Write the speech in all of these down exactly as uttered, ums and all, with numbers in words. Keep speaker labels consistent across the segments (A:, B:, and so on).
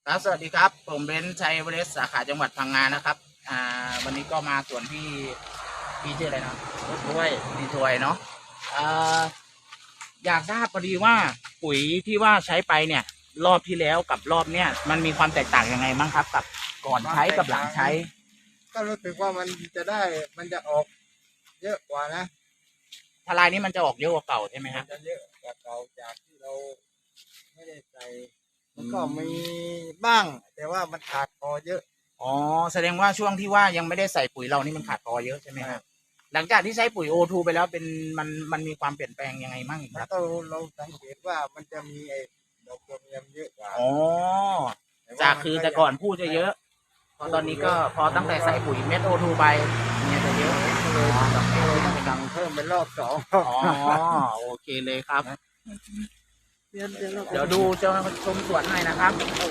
A: ครับสวัสดีครับผมเบนซ์ชัยเวเรสสาขาจังหวัดพังงานะครับอ่าวันนี้ก็มาสวนพี่พี่ชื่ออะไรนะด้วยพี่ถวยเนาะอ่าอยากทราบพอดีว่าปุ๋ยที่ว่าใช้ไปเนี่ย รอบที่แล้วกับรอบเนี้ยมันมีความแตกต่างยังไงบ้างครับกับก่อนใช้กับหลังใช้
B: ก็รู้สึกว่ามันจะได้มันจะออกเยอะกว่านะ
A: ทลายนี้มันจะออกเยอะกว่าเก่าใช่ไหมค
B: มั
A: รั
B: น
A: บ
B: จะเยอะกว่าเก่าจากที่เราไม่ได้ใส่มันก็มีบ้าง แต่ว่ามันขาดพอเยอะ
A: อ๋อแสดงว่าช่วงที่ว่ายังไม่ได้ใส่ปุ๋ยเรานี่มันขาดพอเยอะใช่ไหมครับหลังจากที่ใช้ปุ๋ยโอทูไปแล้วเป็นมันมันมีความเปลี่ยนแปลงยังไงบ้างค
B: แล้
A: รั
B: ว
A: บ
B: ก็เราสังเกตว่ามันจะมีไอ้ดอกกระเทียมเยอะกว่า
A: อ๋อ จากคือแต่ก่อนพูดจะเยอะ พอตอนนี้ก็พอตั้งแต่ใส่ปุ๋ยเม็ดโอทูไปเนี่ยจะเยอะเลยดอกเม็ดเลยต้องไป
B: สั่งเพิ่มเป็นรอบสอง
A: อ๋อโอเคเลยครับ
B: เดี๋ยวเดี๋ยว
A: เดี๋ยวดูเจ้าชมสวนหน่อยนะครับ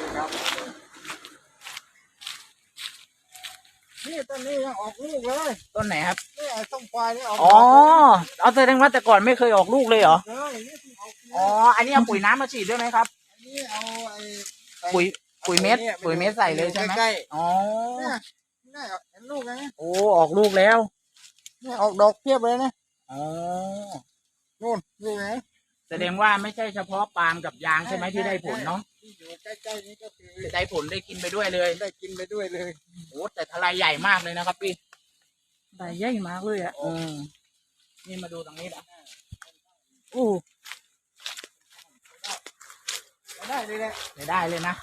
B: นี่ต้นนี้ยังออกลูกเลย
A: ต้นไหนครับ
B: นี่ไอ้ต้นควายนี่ออก
A: อ๋อ เอาแสดงว่าแต่ก่อนไม่เคยออกลูกเลยเหรอ
B: เลยนี่เพิ่งออก
A: อ๋อ อันนี้เอาปุ๋ยน้ำมาฉีดด้วยไหมครับ
B: อันนี้เอาไอ้
A: ปุ๋ยปุ๋ยเม็ดปุ๋ยเม็ดใส่เลยใช่ไหม
B: ใกล้
A: อ๋อ
B: ๆเนี่ยนี่เห็นลูกไหม
A: โอ้ออกลูกแล้ว
B: นี่ออกดอกเพียบเลยนะ
A: อ๋อ
B: นู่นลูกไหน
A: แสดงว่าไม่ใช่เฉพาะปาล์มกับยางใช่ไหมที่ได้ผลเนาะ
B: ที่อยู่ใกล้ๆนี้ก็คือ
A: ได้ผลได้กินไปด้วยเลย
B: ได้กินไปด้วยเลย
A: โอ้แต่ทลายใหญ่มากเลยนะครับพี่
C: ใบใหญ่มากเลยอ่ะ
A: อืมนี่มาดูตรงนี้นะ
C: อู้
B: ได้เลยแหละ
A: ไม่ได้เลยนะ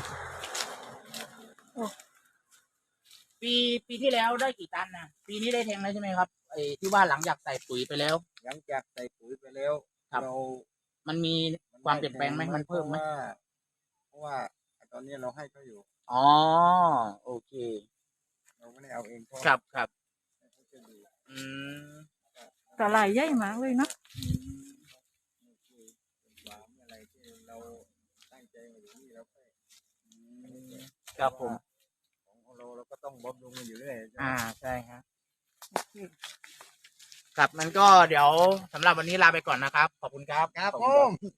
A: ปีปีที่แล้วได้กี่ตันนะปีนี้ได้แทงแล้วใช่ไหมครับไอ้ที่ว่าหลังจากใส่ปุ๋ยไปแล้ว
B: หลังจากใส่ปุ๋ยไปแล้ว
A: ครับ
B: เรา
A: มันมีความเปลี่ยนแปลงไหมมันเพิ่มไหม
B: เพราะว่าตอนนี้เราให้เขาอยู่
A: อ๋อโอเค
B: เราไม่ได้เอาเองเพราะ
A: ครับครับ
B: เขาจะดู
A: อืม
C: ตลายใหญ่มากเลยเนาะ
A: อืม
B: นี่คือเป็นความอะไรที่เราตั้งใจมาอยู่นี่เราก็
A: ครับผม
B: ของเราเราก็ต้องบำรุงมันอยู่เรื่อย
A: อ่าใช่ครับครับมันก็เดี๋ยวสำหรับวันนี้ลาไปก่อนนะครับ ขอบคุณครับ
B: ครับ
A: ขอ
B: ผ
A: ณ
B: ม